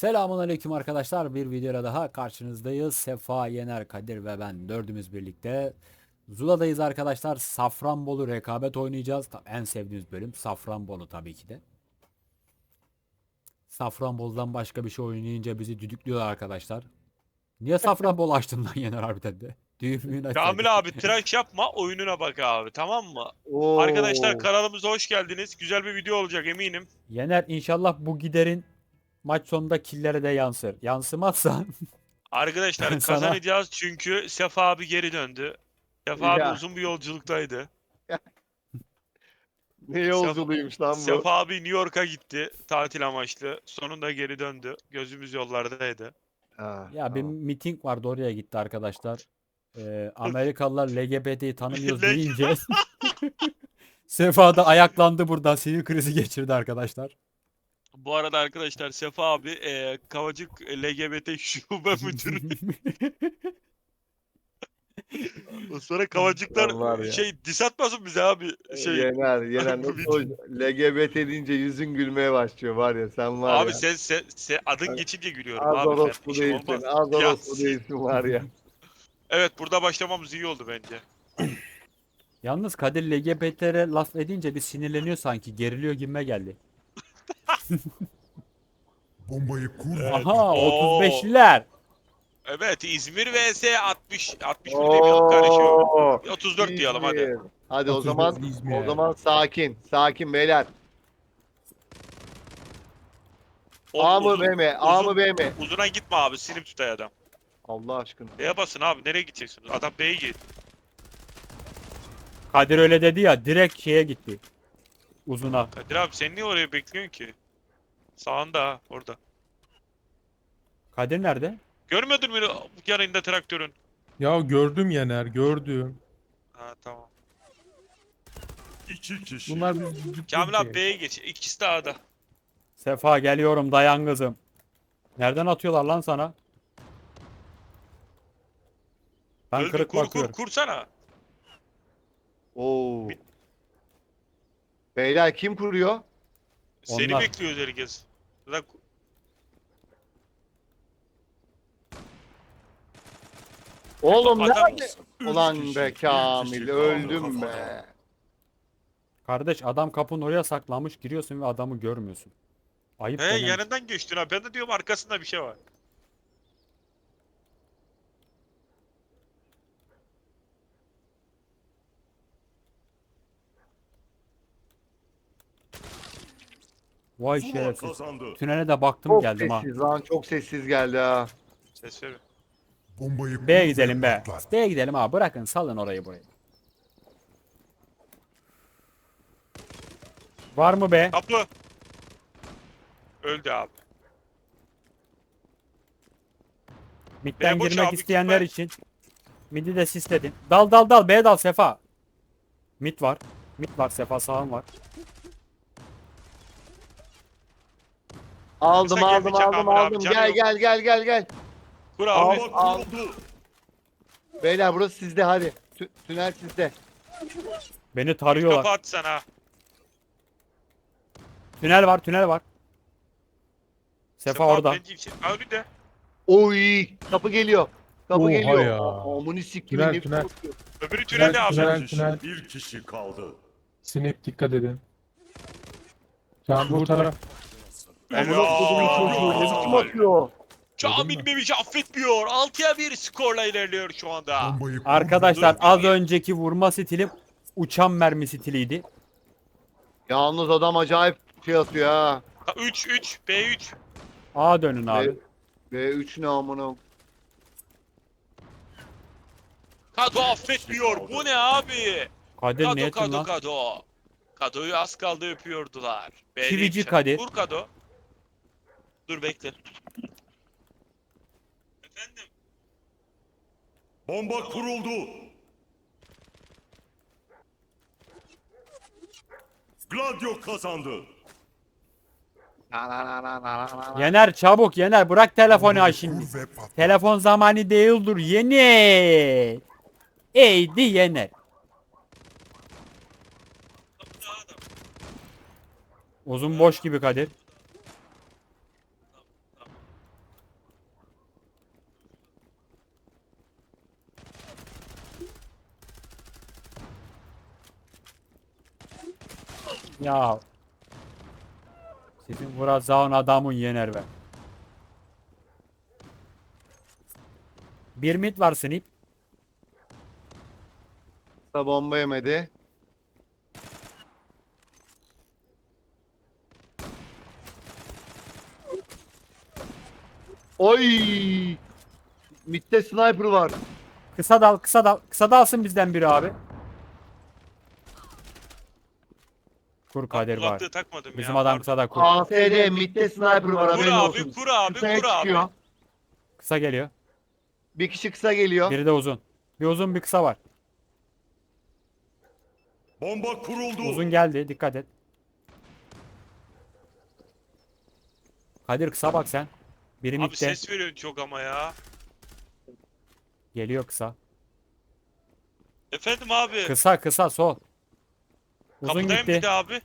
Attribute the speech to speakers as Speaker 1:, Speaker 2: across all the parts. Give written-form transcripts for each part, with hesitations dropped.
Speaker 1: Selamünaleyküm arkadaşlar. Bir videoda daha karşınızdayız. Sefa, Yener, Kadir ve ben dördümüz birlikte Zula'dayız arkadaşlar. Safranbolu rekabet oynayacağız. En sevdiğimiz bölüm Safranbolu tabii ki de. Safranbolu'dan başka bir şey oynayınca bizi düdüklüyorlar arkadaşlar. Niye Safranbolu açtın lan Yener harbiden de? Düğümünü açsaydın.
Speaker 2: Kamil abi tıraş yapma oyununa bak abi, tamam mı? Arkadaşlar
Speaker 3: Oo.
Speaker 2: kanalımıza hoş geldiniz. Güzel bir video olacak eminim.
Speaker 1: Yener inşallah bu giderin maç sonunda killere de yansır. Yansımazsa ben
Speaker 2: Arkadaşlar
Speaker 1: sana
Speaker 2: kazanacağız çünkü Sefa abi geri döndü. Sefa abi
Speaker 3: Ya
Speaker 2: uzun bir yolculuktaydı.
Speaker 3: ne
Speaker 2: Sefa,
Speaker 3: yolculuğuymuş lan bu.
Speaker 2: Sefa abi New York'a gitti tatil amaçlı. Sonunda geri döndü. Gözümüz yollardaydı.
Speaker 3: Ha,
Speaker 1: ya bir
Speaker 3: tamam.
Speaker 1: miting vardı oraya gitti arkadaşlar. Amerikalılar LGBT'yi tanımıyoruz
Speaker 2: Leg-
Speaker 1: deyince Sefa da ayaklandı buradan sinir krizi geçirdi arkadaşlar.
Speaker 2: Bu arada arkadaşlar Sefa abi Kavacık LGBT şube müdürü. Sonra Kavacıklar
Speaker 3: Lan var ya.
Speaker 2: diss atmasın bize abi.
Speaker 3: Yener
Speaker 2: Bu
Speaker 3: nasıl o
Speaker 2: video.
Speaker 3: LGBT deyince yüzün gülmeye başlıyor var ya sen var
Speaker 2: Abi
Speaker 3: ya.
Speaker 2: sen adın geçince gülüyorum
Speaker 3: Az
Speaker 2: abi ben.
Speaker 3: orospu
Speaker 2: İşim
Speaker 3: değilsin,
Speaker 2: olmaz.
Speaker 3: az
Speaker 2: Ya,
Speaker 3: orospu değilsin var ya.
Speaker 2: evet burada başlamamız iyi oldu bence.
Speaker 1: Yalnız Kadir LGBT'lere laf edince bir sinirleniyor sanki. Geriliyor gibime geldi.
Speaker 4: Bombayı kur ve
Speaker 1: Aha
Speaker 2: Oo.
Speaker 1: 35'liler.
Speaker 2: Evet İzmir vs 61 demiyorum karışıyor.
Speaker 3: Oo.
Speaker 2: 34 diyelim hadi.
Speaker 3: İzmir. Hadi o
Speaker 4: 34
Speaker 3: zaman
Speaker 4: İzmir.
Speaker 3: o zaman sakin. Sakin beyler. A mı B mi? A mı B mi?
Speaker 2: Uzuna gitme abi sinip tutay adam.
Speaker 3: Allah aşkına.
Speaker 2: B'ye basın abi nereye gideceksiniz? Adam B'ye git.
Speaker 1: Kadir öyle dedi ya direkt şeye gitti. Uzuna.
Speaker 2: Kadir abi sen niye oraya bekliyorsun ki? Sağında ha orada.
Speaker 1: Kadir nerede?
Speaker 2: Görmedin mi yanında traktörün?
Speaker 4: Ya gördüm Yener, gördüm.
Speaker 2: Ha tamam.
Speaker 4: İki kişi. Bunlar biz düdük
Speaker 2: Kamil abi
Speaker 4: ki.
Speaker 2: B'ye geç. İkisi de A'da.
Speaker 1: Sefa geliyorum dayan kızım. Nereden atıyorlar lan sana? Ben
Speaker 2: Öldü
Speaker 1: kırık bakıyorum.
Speaker 2: kursana.
Speaker 3: Oo. Beyler kim kuruyor?
Speaker 2: Seni
Speaker 1: Onlar.
Speaker 2: bekliyoruz herkes. Zaten
Speaker 3: Oğlum
Speaker 2: adam-
Speaker 3: nerede? Ulan be Kamil öldüm be.
Speaker 1: Kardeş adam kapının oraya saklanmış giriyorsun ve adamı görmüyorsun. Ayıp
Speaker 2: He
Speaker 1: denen bir şey.
Speaker 2: yanından geçtin ha. Ben de diyorum arkasında bir şey var.
Speaker 1: Vay
Speaker 4: Zula
Speaker 1: şerefsiz.
Speaker 4: kazandı.
Speaker 1: Tünele de baktım
Speaker 3: Çok
Speaker 1: geldim ha.
Speaker 3: sessiz lan çok sessiz geldi ha.
Speaker 2: Ses ver.
Speaker 4: Bombayı kur
Speaker 1: B'ye
Speaker 4: ve
Speaker 1: gidelim be.
Speaker 4: patlat.
Speaker 1: B'ye gidelim ha. Bırakın salın orayı burayı. Var mı be?
Speaker 2: Kapı. Öldü abi.
Speaker 1: Mid'den
Speaker 2: boş
Speaker 1: girmek
Speaker 2: abi,
Speaker 1: isteyenler
Speaker 2: gitme.
Speaker 1: için. Mid'i de sisledin. Dal dal dal. B'ye dal Sefa. Mid var. Mid var Sefa sağım var.
Speaker 3: Aldım
Speaker 2: Kısa
Speaker 3: aldım
Speaker 2: gelmeyeceğim
Speaker 3: aldım
Speaker 2: Amir abi,
Speaker 3: aldım.
Speaker 2: canı
Speaker 3: Gel
Speaker 2: yok.
Speaker 3: gel gel gel gel.
Speaker 2: Kur abi.
Speaker 3: Al.
Speaker 4: Bomba kuruldu.
Speaker 3: Beyler burası sizde hadi. Tünel sizde.
Speaker 1: Beni
Speaker 2: Kapı
Speaker 1: tarıyorlar.
Speaker 2: at sana.
Speaker 1: Tünel var tünel var. Sefa orada.
Speaker 2: Bence için. Abi de.
Speaker 3: Oy kapı geliyor. Kapı
Speaker 4: Oha
Speaker 3: geliyor.
Speaker 4: ya.
Speaker 3: Amını siktimin
Speaker 4: Tünel,
Speaker 3: ne
Speaker 4: tünel.
Speaker 3: korkuyor.
Speaker 2: Öbürü tünelde abi.
Speaker 4: Tünel.
Speaker 5: Bir kişi kaldı.
Speaker 4: Snap dikkat edin. Can bu taraf.
Speaker 3: Amına kodumun çocuğu ne biçim atıyor?
Speaker 2: Kamil Memiş'i affetmiyor. 6'ya 1 skorla ilerliyor şu anda.
Speaker 4: Bombayı kur
Speaker 1: Arkadaşlar
Speaker 2: Dur,
Speaker 1: az
Speaker 2: bir-
Speaker 1: önceki vurma stilim uçan mermi stiliydi.
Speaker 3: Yalnız adam acayip şey atıyor ha.
Speaker 2: 3 B3.
Speaker 1: A dönün abi.
Speaker 3: B3 ne amına.
Speaker 2: Kado affetmiyor. Bu ne abi?
Speaker 1: Kadir
Speaker 2: Kado
Speaker 1: niyetin
Speaker 2: Kado
Speaker 1: lan?
Speaker 2: Kado. Kado'yu az kaldı öpüyordular. B'de
Speaker 1: Çivici
Speaker 2: yetişen-
Speaker 1: Kadir.
Speaker 2: Vur Kado. Dur bekle. Efendim.
Speaker 5: Bomba kuruldu. Gladio kazandı.
Speaker 1: Yener çabuk Yener bırak telefonu ha
Speaker 4: Bombayı
Speaker 1: şimdi.
Speaker 4: kur ve patlat.
Speaker 1: Telefon zamanı değildir Yener. Eydi Yener. Uzun boş gibi Kadir. Ya. Sizin vuracağın adamın yener be. Bir mid var Snip.
Speaker 3: Kısa bomba yemedi. Oy! Mid'de sniper var.
Speaker 1: Kısa dal, kısa dal. Kısa dalsın bizden biri abi. Kur Kadir var.
Speaker 2: Kulaklığı takmadım ya.
Speaker 1: Bizim adam
Speaker 2: pardon.
Speaker 1: kısa da kur.
Speaker 3: AFD mid'de sniper var,
Speaker 2: Kur
Speaker 3: haberin
Speaker 2: abi,
Speaker 3: olsun.
Speaker 2: kur abi,
Speaker 3: Kısaya
Speaker 2: kur abi.
Speaker 3: çıkıyor.
Speaker 1: Kısa geliyor.
Speaker 3: Bir kişi kısa geliyor.
Speaker 1: Biri de uzun. Bir uzun bir kısa var.
Speaker 5: Bomba kuruldu.
Speaker 1: Uzun geldi. Dikkat et. Kadir kısa bak sen. Biri
Speaker 2: Abi
Speaker 1: midde.
Speaker 2: ses veriyorsun çok ama ya.
Speaker 1: Geliyor kısa.
Speaker 2: Efendim abi.
Speaker 1: Kısa kısa sol. Uzun
Speaker 2: Kapıdayım
Speaker 1: gitti.
Speaker 2: bir de abi.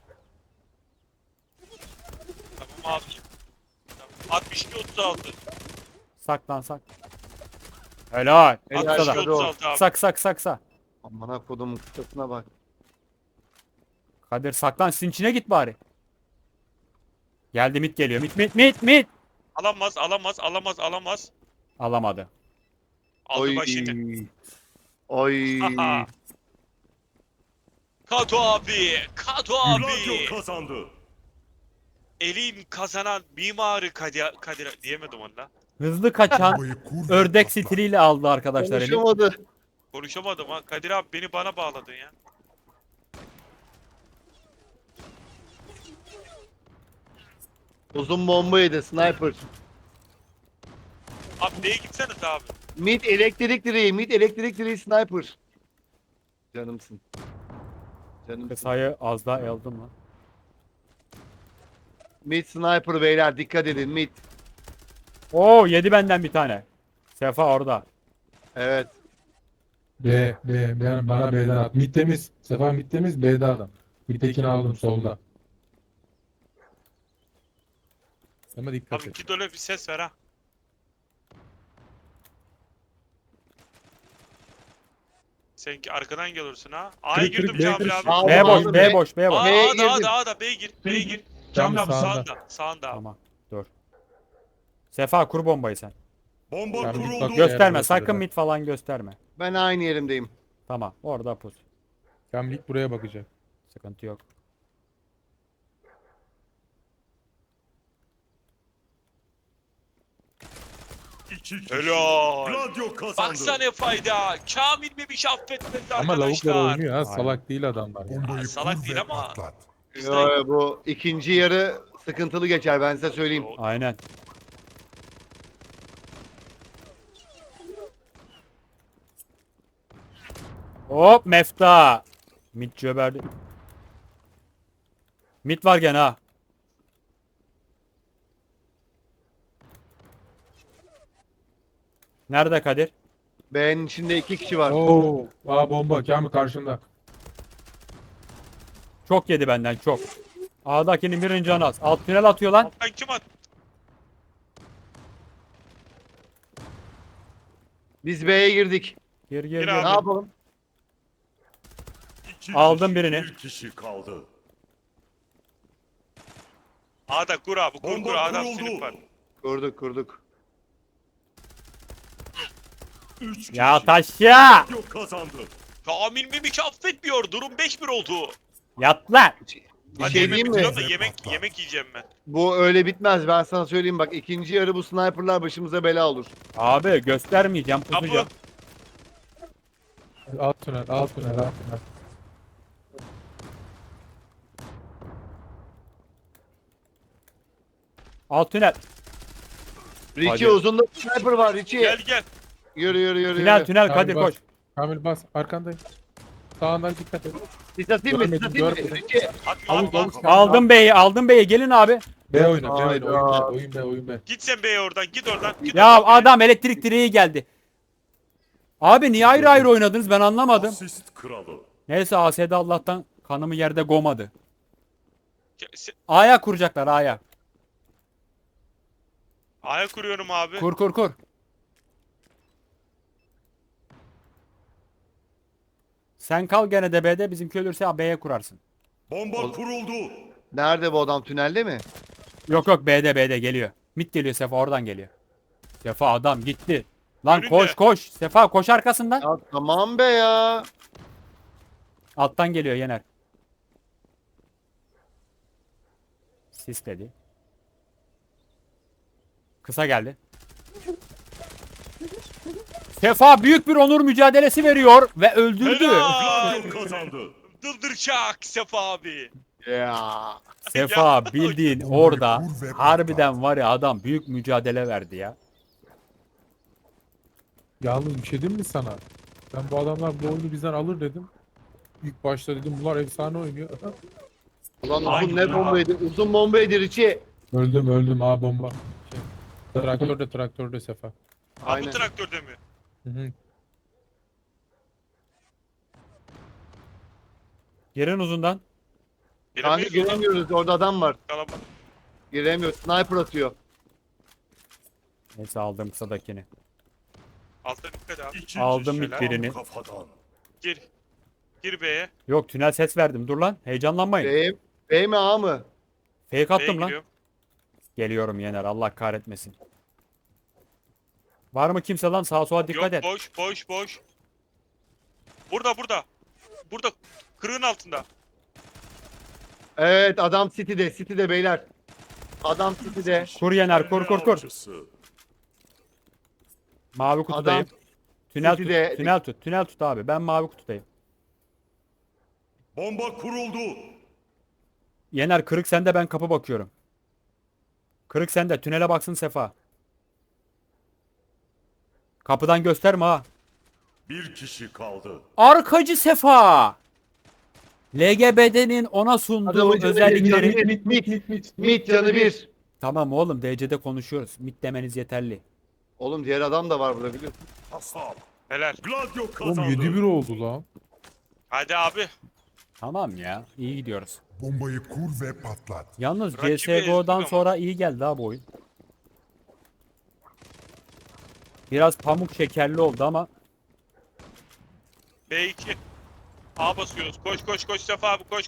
Speaker 2: Tamam abi. Tamam. 62-36.
Speaker 1: Saklan sak. Helal.
Speaker 3: Helal.
Speaker 1: Kısa da.
Speaker 3: Hadi oğlum.
Speaker 2: 62-36 abi.
Speaker 1: Kısa kısa kısa kısa.
Speaker 3: Amına kodumun kısasına bak.
Speaker 1: Kadir saklan sizin içine git bari. Geldi mid geliyor. Mid.
Speaker 2: Alamaz, alamaz, alamaz, alamaz.
Speaker 1: Alamadı.
Speaker 2: Aldı
Speaker 3: Oy.
Speaker 2: başını.
Speaker 3: Oy.
Speaker 2: Haha. Kato abi, Kato abi.
Speaker 5: Gladio kazandı.
Speaker 2: Elin kazanan mimarı Kadir diyemedim onda.
Speaker 1: Hızlı kaçan ördek stiliyle aldı arkadaşlar. Elif.
Speaker 3: Konuşamadı.
Speaker 2: Konuşamadım ha. Kadir abi beni bana bağladın ya.
Speaker 3: Uzun bomba yedi sniper.
Speaker 2: Abi neye gitsene abi.
Speaker 3: Mid elektrik direği, mid elektrik direği sniper. Canımsın. Canımsın.
Speaker 1: Kısayı az daha aldım lan.
Speaker 3: Mid sniper beyler, dikkat edin mid.
Speaker 1: Oo yedi benden bir tane. Sefa orada.
Speaker 3: Evet.
Speaker 4: Bana B'den at. Mid temiz. Sefa mid temiz. B'de adam. Mid'dekini aldım solda. Ama dikkat
Speaker 2: Abi
Speaker 4: et.
Speaker 2: git öyle bir ses ver ha. Sen arkadan gelirsin ha. A'ya
Speaker 4: Kırık,
Speaker 2: girdim
Speaker 4: kırık,
Speaker 2: Kamil
Speaker 4: B
Speaker 2: abi.
Speaker 3: kırık.
Speaker 1: B boş,
Speaker 3: Aldım,
Speaker 1: B
Speaker 3: B.
Speaker 1: boş, B boş.
Speaker 2: Aa,
Speaker 3: B'ye
Speaker 2: A'da,
Speaker 3: girdim.
Speaker 2: A'da, B'ye gir, B'ye gir.
Speaker 4: Cam
Speaker 2: Kamil abi
Speaker 4: sağında.
Speaker 2: sağında, sağında abi.
Speaker 1: Tamam. Dur. Sefa kur bombayı sen.
Speaker 5: Bomba
Speaker 4: Yani bir
Speaker 5: kuruldu.
Speaker 4: bak-
Speaker 1: Gösterme.
Speaker 4: burası
Speaker 1: Sakın
Speaker 4: da.
Speaker 1: mid falan gösterme.
Speaker 3: Ben aynı yerimdeyim.
Speaker 1: Tamam. Orada pus.
Speaker 4: Kamil buraya bakacak.
Speaker 1: Sıkıntı yok.
Speaker 5: İki kişi.
Speaker 2: Helal.
Speaker 5: Gladio kazandı.
Speaker 2: Baksana ne fayda. Kamil Memiş affetmedi
Speaker 4: Ama lavuklar
Speaker 2: arkadaşlar.
Speaker 4: oynuyor ha.
Speaker 1: Aynen.
Speaker 4: Salak değil adamlar. Ya.
Speaker 5: Bombayı
Speaker 2: salak
Speaker 5: kur
Speaker 2: değil
Speaker 5: ve
Speaker 2: ama-
Speaker 5: patlat.
Speaker 3: Yo, bu ikinci yarı sıkıntılı geçer, ben size söyleyeyim.
Speaker 1: Aynen. Hop mefta. Mid cöberdi. Mid var gene ha. Nerede Kadir?
Speaker 3: B'nin içinde iki kişi var.
Speaker 4: Oo, bomba Kamil karşında.
Speaker 1: Çok yedi benden çok. A'dakinin birinci canı az. Alt tünel atıyor lan.
Speaker 2: Alttan kim at?
Speaker 3: Biz B'ye girdik.
Speaker 1: Gir
Speaker 2: Gir
Speaker 1: gir
Speaker 2: abi.
Speaker 1: gir.
Speaker 3: Ne yapalım?
Speaker 5: İki
Speaker 1: Aldım
Speaker 5: kişi,
Speaker 1: birini.
Speaker 5: Bir kişi kaldı.
Speaker 2: A'da kur abi, kur
Speaker 5: Bomba
Speaker 2: kur. A'da
Speaker 5: kuruldu.
Speaker 2: sınıf var.
Speaker 3: Kurduk.
Speaker 5: Üç kişi.
Speaker 1: Ya taş ya.
Speaker 5: Gladio kazandı.
Speaker 2: Kamil Memiş affetmiyor. Durum 1 oldu.
Speaker 1: Yat lan.
Speaker 3: Bir
Speaker 2: Hadi
Speaker 3: şey
Speaker 2: yemek
Speaker 3: diyeyim mi?
Speaker 2: bitiriyorum da yemek yiyeceğim ben.
Speaker 3: Bu öyle bitmez, ben sana söyleyeyim bak, ikinci yarı bu sniperlar başımıza bela olur.
Speaker 1: Abi göstermeyeceğim
Speaker 2: Kapı.
Speaker 1: pusacağım.
Speaker 4: Alt tünel.
Speaker 1: Alt tünel.
Speaker 3: Richie
Speaker 1: Hadi.
Speaker 3: uzunda sniper var Richie.
Speaker 2: Gel.
Speaker 3: Yürü.
Speaker 1: Tünel tünel
Speaker 4: Kamil
Speaker 1: Kadir
Speaker 4: bas.
Speaker 1: koş.
Speaker 4: Kamil bas. Arkandayım. Sağından dikkat et.
Speaker 3: Sis atayım mı? Sis
Speaker 4: Görmedim,
Speaker 3: atayım mı?
Speaker 4: görmedim.
Speaker 3: Richie.
Speaker 2: Atma.
Speaker 1: Aldım B'yi gelin abi.
Speaker 4: B oyna.
Speaker 3: Hayda.
Speaker 4: Oyun B.
Speaker 2: Git sen B'ye oradan. Git oradan. Git
Speaker 1: Ya
Speaker 2: oradan.
Speaker 1: adam elektrik direği geldi. Abi niye ayrı ayrı oynadınız ben anlamadım.
Speaker 5: Asist kralı.
Speaker 1: Neyse AS'de Allah'tan kanımı yerde gomadı.
Speaker 2: Se-
Speaker 1: A'ya kuracaklar A'ya.
Speaker 2: A'ya kuruyorum abi.
Speaker 1: Kur. Sen kal gene de B'de bizimki ölürse B'ye kurarsın.
Speaker 5: Bomba kuruldu.
Speaker 3: Nerede bu adam? Tünelde mi?
Speaker 1: Yok yok, B'de geliyor. Mid geliyor, Sefa oradan geliyor. Sefa adam gitti. Lan
Speaker 2: Önünde.
Speaker 1: koş koş. Sefa koş arkasından.
Speaker 3: Ya tamam be ya.
Speaker 1: Alttan geliyor Yener. Sisledi. Kısa geldi. Sefa büyük bir onur mücadelesi veriyor ve öldürdü.
Speaker 2: Helal.
Speaker 5: Gladio kazandı.
Speaker 2: Dırdırçak Sefa abi.
Speaker 3: Ya.
Speaker 1: Sefa bildiğin orada harbiden var ya, adam büyük mücadele verdi ya.
Speaker 4: Yalnız bir şey diyeyim mi sana? Ben bu adamlar bu oyunu bizden alır dedim. İlk başta dedim bunlar efsane oynuyor.
Speaker 3: Ulan
Speaker 2: Ay
Speaker 3: uzun ne
Speaker 2: ya.
Speaker 3: bombaydı? Uzun bombaydı Richie.
Speaker 4: Öldüm ha bomba. Traktörde Sefa.
Speaker 2: Ha
Speaker 3: Aynen.
Speaker 2: bu traktörde mi?
Speaker 4: Hı hı.
Speaker 1: Girin uzundan.
Speaker 3: Kanka
Speaker 2: Giremeyiz oğlum.
Speaker 3: giremiyoruz. Orada adam var.
Speaker 2: Kalabalık.
Speaker 3: Giremiyoruz. Sniper atıyor.
Speaker 1: Neyse aldım kısadakini.
Speaker 2: Altta dikkat abi.
Speaker 5: İki
Speaker 1: Aldım
Speaker 5: kişi
Speaker 1: ilk birini.
Speaker 5: Kafadan.
Speaker 2: Gir. Gir B'ye.
Speaker 1: Yok, tünel ses verdim. Dur lan. Heyecanlanmayın.
Speaker 3: B mi A mı?
Speaker 1: Fake
Speaker 2: B'ye
Speaker 1: attım lan.
Speaker 2: giriyorum.
Speaker 1: Geliyorum Yener. Allah kahretmesin. Var mı kimse lan? Sağa sola dikkat
Speaker 2: Yok
Speaker 1: et.
Speaker 2: boş. Burada. Burada. Kırığın altında.
Speaker 3: Evet adam City'de. City'de beyler. Adam City'de.
Speaker 1: Kur Yener, kur.
Speaker 5: Avcısı.
Speaker 1: Mavi kutudayım.
Speaker 3: Adam
Speaker 1: Tünel
Speaker 3: City'de-
Speaker 1: tut. Tünel tut. Tünel tut abi. Ben mavi kutudayım.
Speaker 5: Bomba kuruldu.
Speaker 1: Yener kırık sende, ben kapı bakıyorum. Kırık sende. Tünele baksın Sefa. Kapıdan gösterme ha.
Speaker 5: Bir kişi kaldı.
Speaker 1: Arkacı Sefa. LGBT'nin ona sunduğu
Speaker 3: Adamın canı
Speaker 1: özellikleri.
Speaker 3: bir, Mid canı bir.
Speaker 1: Tamam oğlum, DC'de konuşuyoruz. Mid demeniz yeterli.
Speaker 3: Oğlum diğer adam da var burada biliyorsun.
Speaker 5: Hasap.
Speaker 2: Helal.
Speaker 5: Gladio
Speaker 4: Oğlum
Speaker 5: kazandı.
Speaker 4: 7-1 oldu lan.
Speaker 2: Hadi abi.
Speaker 1: Tamam ya. İyi gidiyoruz.
Speaker 6: Bombayı kur ve patlat.
Speaker 1: Yalnız
Speaker 2: Rakibi
Speaker 1: CSGO'dan
Speaker 2: ezdik
Speaker 1: sonra iyi geldi ha bu oyun. Biraz pamuk şekerli oldu ama
Speaker 2: B2. A basıyoruz. Koş Sefa abi. Koş.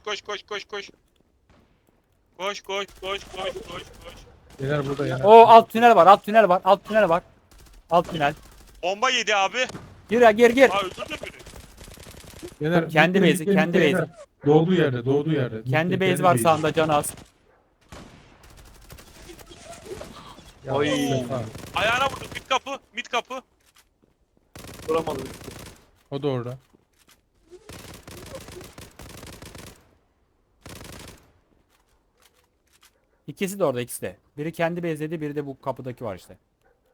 Speaker 2: Koş.
Speaker 4: Yener burada Yener.
Speaker 1: o alt tünel var, alt tünel.
Speaker 2: Bomba yedi abi.
Speaker 1: Gir.
Speaker 2: Ha öldürdü beni.
Speaker 4: Yener,
Speaker 1: Kendi
Speaker 4: bitti,
Speaker 1: base'i,
Speaker 4: bitti,
Speaker 1: kendi
Speaker 4: bitti,
Speaker 1: base'i.
Speaker 4: Yener. Doğduğu yerde.
Speaker 1: Kendi
Speaker 4: Bitti,
Speaker 1: base var
Speaker 4: base'i.
Speaker 1: sağında, canı az.
Speaker 4: Ya,
Speaker 3: Oy.
Speaker 4: Sefa,
Speaker 2: Ayağına vurdum. Mid kapı.
Speaker 3: Duramadım.
Speaker 4: o da orada.
Speaker 1: İkisi de orada, ikisi de. Biri kendi base'ledi, biri de bu kapıdaki var işte.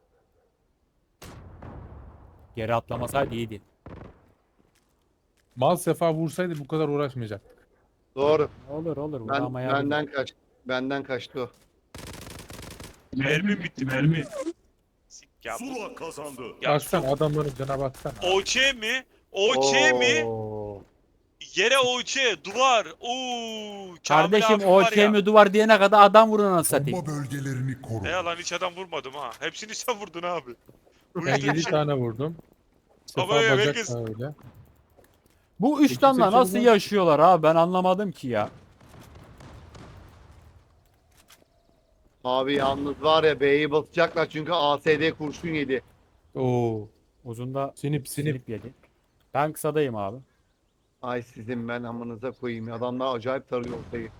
Speaker 1: Geri atlamasaydı iyiydi.
Speaker 4: Mal Sefa vursaydı bu kadar uğraşmayacak.
Speaker 3: Doğru.
Speaker 1: Olur
Speaker 3: Ben,
Speaker 1: vuramaya.
Speaker 3: benden kaçtı o.
Speaker 2: Mermi bitti mermi. Sik ya.
Speaker 5: Sula kazandı.
Speaker 2: Ya
Speaker 4: Baksana adamların cana baksana.
Speaker 2: OÇ mi? OÇ mi?
Speaker 1: Oo.
Speaker 2: Yere OÇ. Duvar. Oo.
Speaker 1: Kardeşim o mi duvar diyene kadar adam vurun anasını satayım.
Speaker 6: Bomba bölgelerini koru.
Speaker 2: Ne yalan hiç adam vurmadım ha. Hepsini sen vurdun abi. Bu
Speaker 4: Ben
Speaker 2: işte
Speaker 4: 7
Speaker 2: bir şey.
Speaker 4: tane vurdum. Sefa
Speaker 2: Ama
Speaker 4: bacak
Speaker 2: herkes-
Speaker 4: da öyle.
Speaker 1: Bu üç tane
Speaker 4: seçiyor
Speaker 1: nasıl
Speaker 4: mu?
Speaker 1: yaşıyorlar abi, ben anlamadım ki ya.
Speaker 3: Abi yalnız var ya B'yi basacaklar çünkü ASD kurşun yedi.
Speaker 4: Oo.
Speaker 1: Uzunda
Speaker 4: Sinip.
Speaker 1: sinip yedi. Ben kısadayım abi.
Speaker 3: Ay sizin ben amınıza koyayım ya. Adamlar acayip tarıyor ortayı.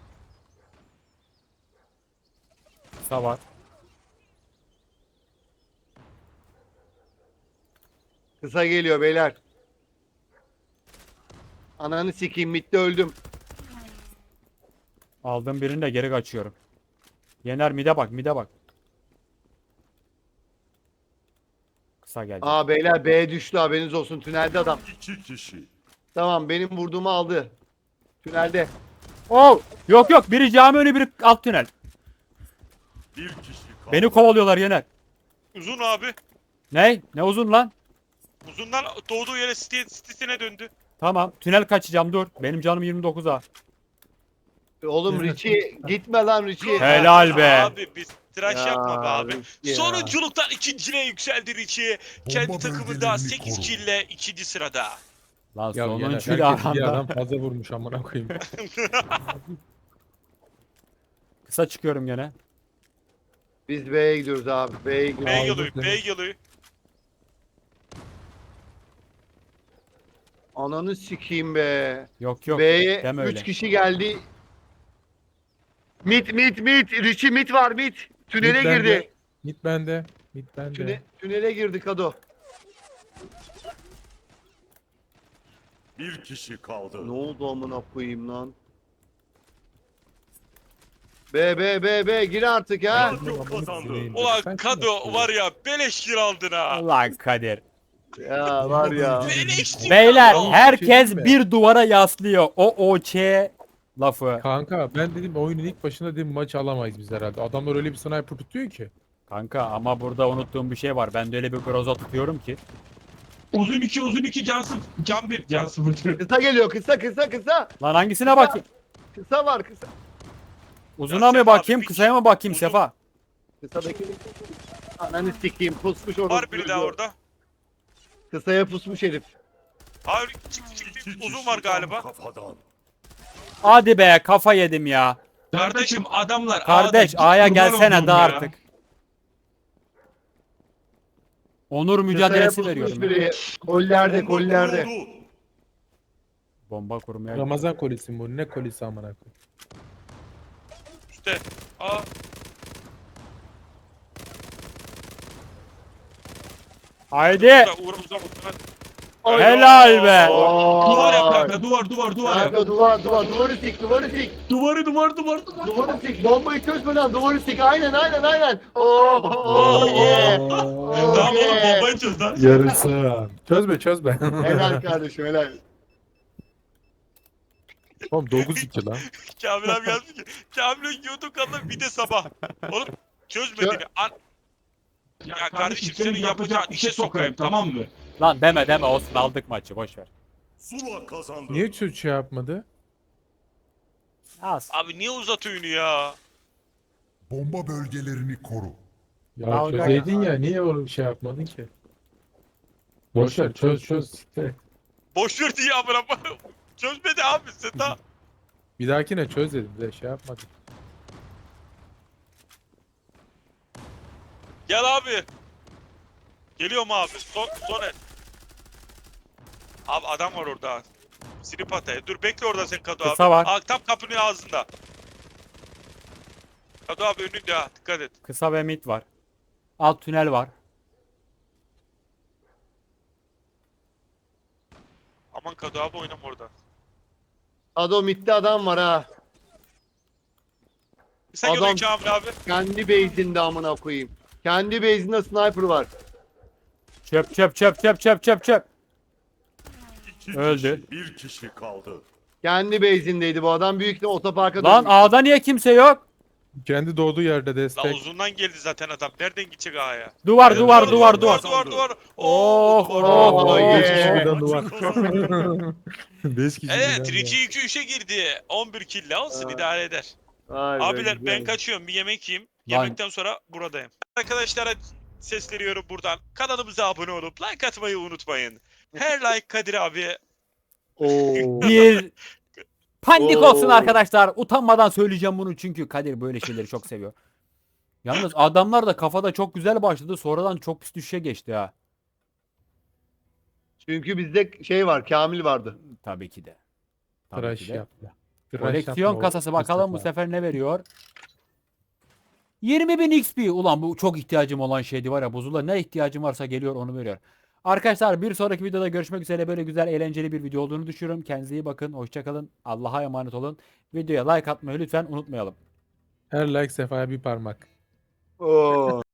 Speaker 1: Kısa var.
Speaker 3: Kısa geliyor beyler. Ananı sikeyim midde öldüm.
Speaker 1: Aldım birini de geri kaçıyorum. Yener mide bak. Kısa geldi.
Speaker 3: Aa beyler B düştü haberiniz olsun tünelde adam.
Speaker 5: İki kişi.
Speaker 3: Tamam benim vurduğumu aldı. Tünelde.
Speaker 1: Oh! Yok biri cami önü, biri alt tünel.
Speaker 5: Bir kişi kaldı.
Speaker 1: Beni kovalıyorlar Yener.
Speaker 2: Uzun abi.
Speaker 1: Ne uzun lan?
Speaker 2: Uzundan doğduğu yere sitesine döndü.
Speaker 1: Tamam, tünel kaçacağım, dur. Benim canım 29'a.
Speaker 3: Oğlum Richie gitme lan Richie.
Speaker 1: Helal be.
Speaker 2: Abi biz tıraş
Speaker 3: Ya,
Speaker 2: yapma be abi.
Speaker 3: ya.
Speaker 2: Sonunculuktan ikinciliğe yükseldi Richie. Kendi
Speaker 6: Bomba
Speaker 2: takımında
Speaker 6: bölgelerini
Speaker 2: 8
Speaker 6: koru.
Speaker 2: kille ikinci sırada.
Speaker 1: Lan
Speaker 4: Ya Yener,
Speaker 1: sonuncuyla
Speaker 4: herkes bir
Speaker 1: aranda.
Speaker 4: adam fazla vurmuş amına koyayım.
Speaker 1: Kısa çıkıyorum gene.
Speaker 3: Biz B'ye gidiyoruz abi. B'ye gidiyoruz.
Speaker 2: B
Speaker 4: Aldım
Speaker 2: geliyor,
Speaker 4: seni.
Speaker 2: B geliyor.
Speaker 3: Ananı sikeyim be.
Speaker 1: Yok yok.
Speaker 3: B'ye
Speaker 1: Deme
Speaker 3: 3
Speaker 1: öyle.
Speaker 3: kişi geldi. Mit. Richie mit var mit. Tünele
Speaker 4: Mid bende,
Speaker 3: girdi.
Speaker 4: Mid bende. Mid bende.
Speaker 3: Tünele girdi Kado.
Speaker 5: Bir kişi kaldı.
Speaker 3: Ne oldu amına koyayım lan? B gir artık ha.
Speaker 5: Radyo kazandı.
Speaker 2: Ulan Kado var ya beleş gir aldın ha.
Speaker 1: Ulan Kadir.
Speaker 3: Ya var ya.
Speaker 2: Beleş gir
Speaker 1: Beyler
Speaker 2: aldın.
Speaker 1: herkes
Speaker 4: mi?
Speaker 1: bir duvara yaslıyor. O lafı.
Speaker 4: Kanka ben dedim oyunun ilk başında dedim maçı alamayız biz herhalde. Adamlar öyle bir sniper tutuyor ki.
Speaker 1: Kanka ama burada unuttuğum bir şey var. Ben de öyle bir groza tutuyorum ki.
Speaker 7: Uzun 2 can 1 can 0.
Speaker 3: Kısa geliyor kısa.
Speaker 1: Lan hangisine bakayım?
Speaker 3: Kısa var kısa.
Speaker 1: Uzuna
Speaker 2: Ya
Speaker 1: mı
Speaker 2: Sefa
Speaker 1: bakayım,
Speaker 2: abi,
Speaker 1: kısaya mı bakayım
Speaker 2: uzun.
Speaker 1: Sefa?
Speaker 3: Kısadaki. Ananı sikeyim pusmuş orada.
Speaker 2: Var biri daha orada.
Speaker 3: Kısaya pusmuş herif.
Speaker 2: Hayır çık
Speaker 5: İki
Speaker 2: uzun
Speaker 5: kişi
Speaker 2: var
Speaker 5: tam
Speaker 2: galiba.
Speaker 5: Kafadan.
Speaker 1: Hadi be kafa yedim ya.
Speaker 7: Kardeşim adamlar
Speaker 1: Kardeş
Speaker 7: A'da,
Speaker 1: A'ya
Speaker 7: kurban
Speaker 1: gelsene
Speaker 7: olduğum
Speaker 1: de
Speaker 7: ya.
Speaker 1: artık. Onur mücadelesi
Speaker 3: Kısaya
Speaker 1: veriyorum.
Speaker 3: pusmuş
Speaker 1: ya.
Speaker 3: biri. Kollerde
Speaker 5: Bomba
Speaker 3: kollerde.
Speaker 5: kuruldu.
Speaker 1: Bomba kurmaya.
Speaker 4: Ramazan kolisi mi bu? Ne kolisi amına koyayım?
Speaker 2: İşte. Aa.
Speaker 1: Haydi.
Speaker 2: Uğramıza muhtemelen.
Speaker 1: Helal be.
Speaker 7: Duvar yap
Speaker 3: Aa.
Speaker 7: kanka duvar yap.
Speaker 3: Kanka duvarı sik.
Speaker 7: Duvar.
Speaker 3: Duvarı sik. Bombayı çözmeden duvarı sik. Aynen. Oh yeah.
Speaker 7: Tamam oğlum
Speaker 3: yeah.
Speaker 7: bombayı çöz lan.
Speaker 4: Yarısı. Çözme.
Speaker 3: Helal kardeşim helal.
Speaker 4: Oğlum 9-2 lan.
Speaker 2: Kamil abi yazdı ki. Kamil'in YouTube kanalı bir de sabah. Oğlum çözmediğini. Ya kardeşim senin yapacağın işe sokayım tamam mı?
Speaker 1: Lan deme olsun aldık maçı boş ver.
Speaker 5: Zula kazandı.
Speaker 4: Niye çöz şey yapmadı?
Speaker 1: Az.
Speaker 2: Abi niye uzatıyorsun ya?
Speaker 6: Bomba bölgelerini koru.
Speaker 4: Ya
Speaker 1: Dalga
Speaker 4: çözeydin ya niye o şey yapmadın ki? Boşver çöz. Siktir.
Speaker 2: Boş ver diye amına. Çözmedi abi sen daha.
Speaker 4: Bir dahakine çöz dedim de şey yapmadık.
Speaker 2: Gel abi. Geliyorum abi. Son el. Abi adam var orada. Sinip ataya. Dur bekle orada sen Kado abi.
Speaker 1: Kısa var.
Speaker 2: Aa, tam kapının ağzında. Kado abi önünde ha. Dikkat et.
Speaker 1: Kısa ve mid var. Alt tünel var.
Speaker 2: Aman Kado abi oynama orada.
Speaker 3: Ado mitte adam var ha.
Speaker 2: Sen
Speaker 3: Adam-
Speaker 2: geliyor Kamil abi.
Speaker 3: Kendi base'inde amına koyayım. Kendi base'inde sniper var.
Speaker 1: Çöp.
Speaker 5: İki
Speaker 1: Öldü.
Speaker 5: Kişi, bir kişi kaldı.
Speaker 3: Kendi base'indeydi bu adam. Büyük de otoparka
Speaker 1: Lan
Speaker 3: dönmüş.
Speaker 1: A'da niye kimse yok?
Speaker 4: Kendi doğduğu yerde
Speaker 2: La
Speaker 4: destek.
Speaker 2: uzundan geldi zaten adam. Nereden gidecek A'ya?
Speaker 1: Duvar.
Speaker 2: Duvar.
Speaker 1: Oh.
Speaker 3: Oh, yeah.
Speaker 4: 5 kişi birden duvar.
Speaker 5: Radyo kazandı.
Speaker 4: 5 kişi
Speaker 2: Evet
Speaker 4: birden
Speaker 2: Richie 2-3'e girdi. 11 kill olsun
Speaker 3: Ha.
Speaker 2: idare eder.
Speaker 3: Vay be,
Speaker 2: Abiler
Speaker 3: güzel.
Speaker 2: ben kaçıyorum bir yemek yiyeyim.
Speaker 1: Lan.
Speaker 2: Yemekten sonra buradayım. Arkadaşlara sesleniyorum buradan. Kanalımıza abone olup like atmayı unutmayın. Her like Kadir abi.
Speaker 3: Oo.
Speaker 1: Bir panik
Speaker 3: Oo.
Speaker 1: olsun arkadaşlar. Utanmadan söyleyeceğim bunu çünkü Kadir böyle şeyleri çok seviyor. Yalnız adamlar da kafada çok güzel başladı. Sonradan çok pis düşüşe geçti ha.
Speaker 3: Çünkü bizde şey var, Kamil vardı.
Speaker 1: Tabii ki de. Tabii
Speaker 4: Tıraş
Speaker 1: ki de.
Speaker 4: yaptı.
Speaker 1: Koleksiyon kasası bakalım bu sefer ne veriyor? 20.000 XP. Ulan bu çok ihtiyacım olan şeydi var ya. Buzula ne ihtiyacım varsa geliyor onu veriyor. Arkadaşlar bir sonraki videoda görüşmek üzere. Böyle güzel eğlenceli bir video olduğunu düşünüyorum. Kendinize iyi bakın. Hoşçakalın. Allah'a emanet olun. Videoya like atmayı lütfen unutmayalım.
Speaker 4: Her like Sefa'ya bir parmak.
Speaker 3: Oo.